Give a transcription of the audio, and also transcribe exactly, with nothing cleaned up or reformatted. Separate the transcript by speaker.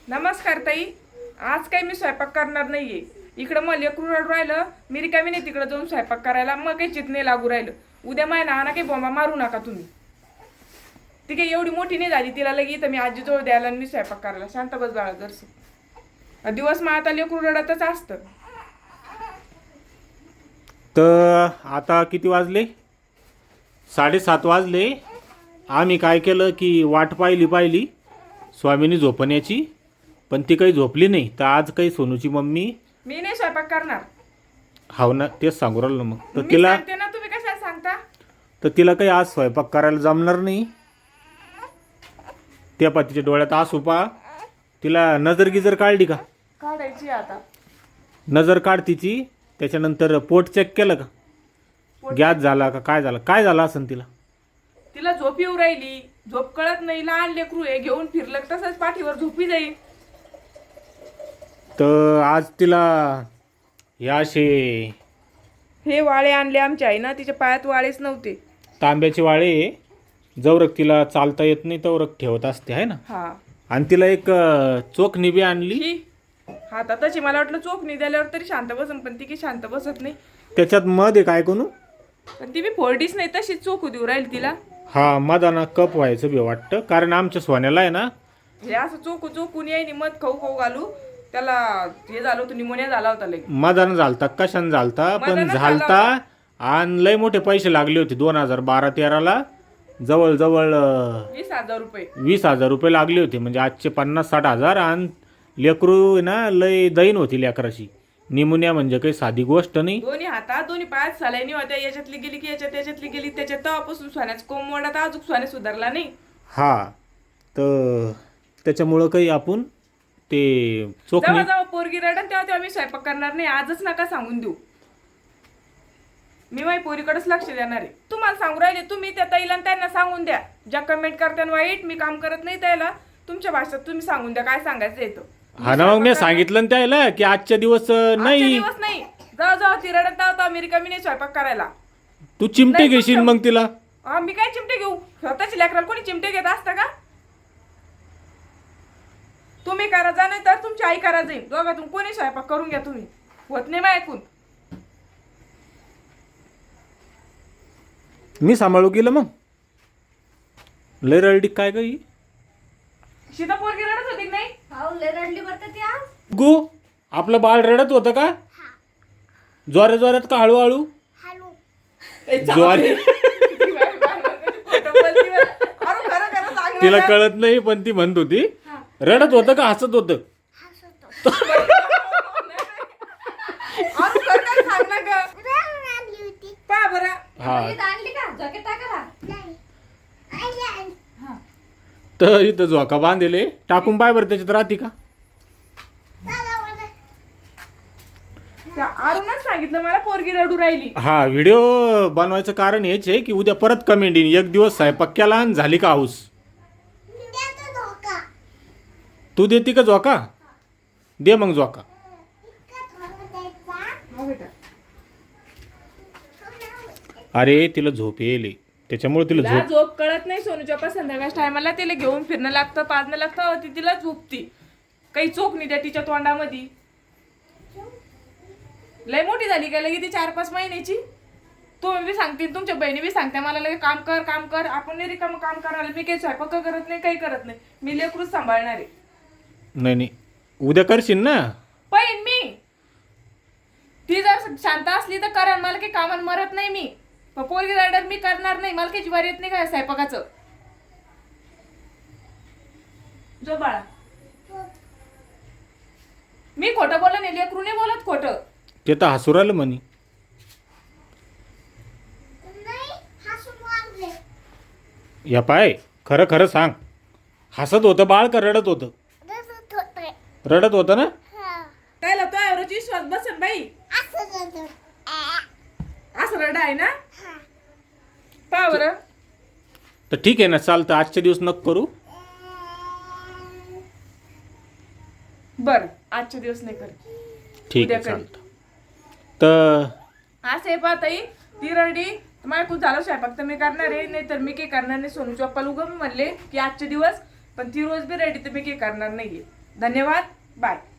Speaker 1: नमस्कार ताई. आज काही मी स्वयंपाक करणार नाहीये. इकडं मग लेकरू रडू राहिलं, मी रिकामी नाही तिकडे जाऊन स्वयंपाक करायला. मग काही चित नाही लागू राहिलं. उद्या माय ना काही बोंबा मारू नका तुम्ही. ती काही एवढी मोठी नाही झाली, तिला लगी तर मी आजीजवळ द्यायला आणि मी स्वयंपाक करायला. शांत बस बाळा जरस. दिवस मग आता लेकरू रडतच असतं.
Speaker 2: तर आता किती वाजले? साडेसात वाजले. आम्ही काय केलं की वाट पाहिली पाहिली स्वामीनी झोपण्याची, पण ती काही झोपली नाही. तर आज काही सोनूची मम्मी
Speaker 1: मी नाही स्वयंपाक करणार.
Speaker 2: हाव ना, तेच सांगू राहिलो मग. तर
Speaker 1: मी
Speaker 2: तिला
Speaker 1: सांगते ना, तुम्ही कशाला सांगता?
Speaker 2: तर तिला काही आज स्वयंपाक करायला जमणार नाही. त्या पातीच्या डोळ्यात आसू पा. तिला नजर गिजर काढली का?
Speaker 1: काढायची आता.
Speaker 2: नजर काढ तिची. त्याच्यानंतर पोट चेक केलं का?
Speaker 1: पोट
Speaker 2: गॅस झाला का? काय झालं? काय झालं असेल तिला?
Speaker 1: तिला झोप येऊ राहिली. झोप कळत नाही. लहान लेकरू आहे, घेऊन फिरलं तसंच पाठीवर झोपी जाईल.
Speaker 2: तर आज तिला या असे
Speaker 1: हे वाळे आणले आमच्या आई ना, तिच्या पायात वाळेच नव्हते.
Speaker 2: तांब्याचे वाळे जवरक तिला चालता येत नाही तवरक ठेवत असते आहे ना.
Speaker 1: हा.
Speaker 2: आणि तिला एक अ, चोख निबी आणली.
Speaker 1: ही हातातच मला वाटलं चोख नाही द्याल्यावर तरी शांत बसन, पण ती की शांत बसत नाही.
Speaker 2: त्याच्यात मध आहे काय कोणू.
Speaker 1: पण ती बी फोडीच नाही, तशीच चोखू देऊ राहील तिला.
Speaker 2: हा, मधाना कप व्हायचं बी वाटतं. कारण आमच्या सोन्याला आहे ना,
Speaker 1: हे असं चोखू चोखून येईनी मध खाऊ खाऊ घालू त्याला हे झालं होतं, निमोनिया झाला होता लई.
Speaker 2: मधानं झालता कशानं झालता पण
Speaker 1: मधानं
Speaker 2: झालता. आणि लय मोठे पैसे लागले होते. दोन हजार बारा तेराला जवळजवळ अ,
Speaker 1: वीस हजार रुपये.
Speaker 2: वीस हजार रुपये लागले होते. म्हणजे आजचे पन्नास साठ हजार. आणि लेकरू आहे ना, लय दैन होती लेकराची. निमोनिया म्हणजे काही साधी गोष्ट नाही.
Speaker 1: दोन्ही हातात दोन्ही पायात सलाईनी होत्या. याच्यातली गेली की याच्यात, याच्यातली गेली त्याच्यात. तेव्हापासून सोन्याचं कोंब मोडा तर अजून सोन्या सुधारला नाही.
Speaker 2: हा, तर त्याच्यामुळं काही आपण ते चोख
Speaker 1: जेव्हा
Speaker 2: नाही.
Speaker 1: जेव्हा पोरगी रडन तेव्हा तेव्हा मी स्वयंपाक करणार नाही. आजच नका सांगून देऊ. मी माझ्या पोरीकडेच लक्ष देणार आहे. तुम्हाला सांगू राहिले, तुम्ही त्या ताईला आणि त्यांना सांगून द्या. ज्या कमेंट करताना वाईट मी काम करत नाही त्याला, तुमच्या भाषेत तुम्ही सांगून द्या काय सांगायचं येतं.
Speaker 2: हा ना, मग मी सांगितलं ना त्याला की आजच्या दिवस अं,
Speaker 1: आजच्या
Speaker 2: नाही.
Speaker 1: दिवस नाही. जाऊ जाऊ ती रडत तेव्हा मी रिकामी नाही स्वयंपाक करायला.
Speaker 2: तू चिमटे
Speaker 1: नाही,
Speaker 2: घेशील
Speaker 1: तुमचं-
Speaker 2: मग तिला.
Speaker 1: हा, मी काय चिमटे घेऊ? स्वतःची लेकराला कोणी चिमटे घेत असतं का? तुम्ही करा जा, नाही तर तुमची आई करा जाईल. दोघातून कोणी स्वयंपाक करून घ्या तुम्ही. होत नाही मग ऐकून.
Speaker 2: मी सांभाळू गेलं मग. लय रडली काय गई
Speaker 1: सीता पोरगी रडत होती की नाही?
Speaker 3: हाव लय रडली बरं का ती आज.
Speaker 2: गो. आपलं बाळ रडत होतं का? जोऱ्या जोऱ्यात का हळूहळू?
Speaker 1: ए, जाऊ
Speaker 2: ज्वारी.
Speaker 1: दे. ती बाई खोटं बोलती बरं. अरे खरं खरं सांग
Speaker 2: तिला
Speaker 1: मला.
Speaker 2: कळत नाही पण ती म्हणत होती. रडत होतं का हसत होतं?
Speaker 1: अरे खरं खरं सांग ना गं. पहा बरं.
Speaker 2: हा,
Speaker 3: इथं आणली का जॅकेट टाका ना. हा.
Speaker 2: तर इथं झोका बांधले टाकून पाय बरं त्याच्यात राहते का?
Speaker 1: त्या अरुणच सांगितलं मला पोरगी रडू राहिली.
Speaker 2: हा, व्हिडिओ बनवायचं कारण हेच आहे की उद्या परत कमेंट येईन. एक दिवस स्वयंपाक केला आणि झाली का हाऊस. तू देती का झोका? दे मग झोका.
Speaker 1: हो बेटा.
Speaker 2: अरे तिला झोप येईल त्याच्यामुळे तिला
Speaker 1: तिला
Speaker 2: झोप.
Speaker 1: झोप कळत नाही. सोनूच्या पण संध्याकाळच्या टायमाला तिला घेऊन फिरणं लागतं, पाजणं लागतं. ती तिला झोपती. काही चोख नाही त्या तिच्या तोंडामध्ये. लय मोठी झाली काय लगे ती चार पाच महिन्याची. तुम्ही बी सांगते, तुमच्या बहिणी बी सांगते मला लगे काम कर काम कर. आपण नाही रिकामं काम करायला. मी काही स्वयंपाक करत नाही, काही करत नाही. मी लेकरूच सांभाळणार आहे.
Speaker 2: नाही नाही, उद्या करशील ना.
Speaker 1: पण मी ती जर शांत असली तर करण. मला काही कामान मरत नाही मी. पण पोरगी रायडर मी करणार नाही. मला काही ज्वारी येत नाही काय स्वयंपाकाचं. जो बाळा, मी खोटं बोललं नाही. लेकरू नाही बोलत खोटं.
Speaker 2: ते तर हसू राहिलं म्हणे. या पाय खरं खरं सांग, हसत होतं बाळ का रडत होतं? रडत होतं ना.
Speaker 1: त्याला तो एवढ्याची विश्वास बसन बाई. असं रडा आहे ना. पहा बरं.
Speaker 2: तर ठीक आहे ना, चालतं. आजच्या दिवस नको करू.
Speaker 1: बर आजच्या दिवस नाही कर.
Speaker 2: ठीक
Speaker 1: उद्या
Speaker 2: आहे,
Speaker 1: करी.
Speaker 2: चालतं. तर
Speaker 1: असं आहे पाहताई. ती रडी मला खूप झालं स्वयंपाक तर मी करणार आहे, नाही तर मी काही करणार नाही. सोनूच्या पप्पाला उगा मी म्हणले की आजचे दिवस, पण ती रोज बी रेडी तर मी काही करणार नाहीये. धन्यवाद बाय.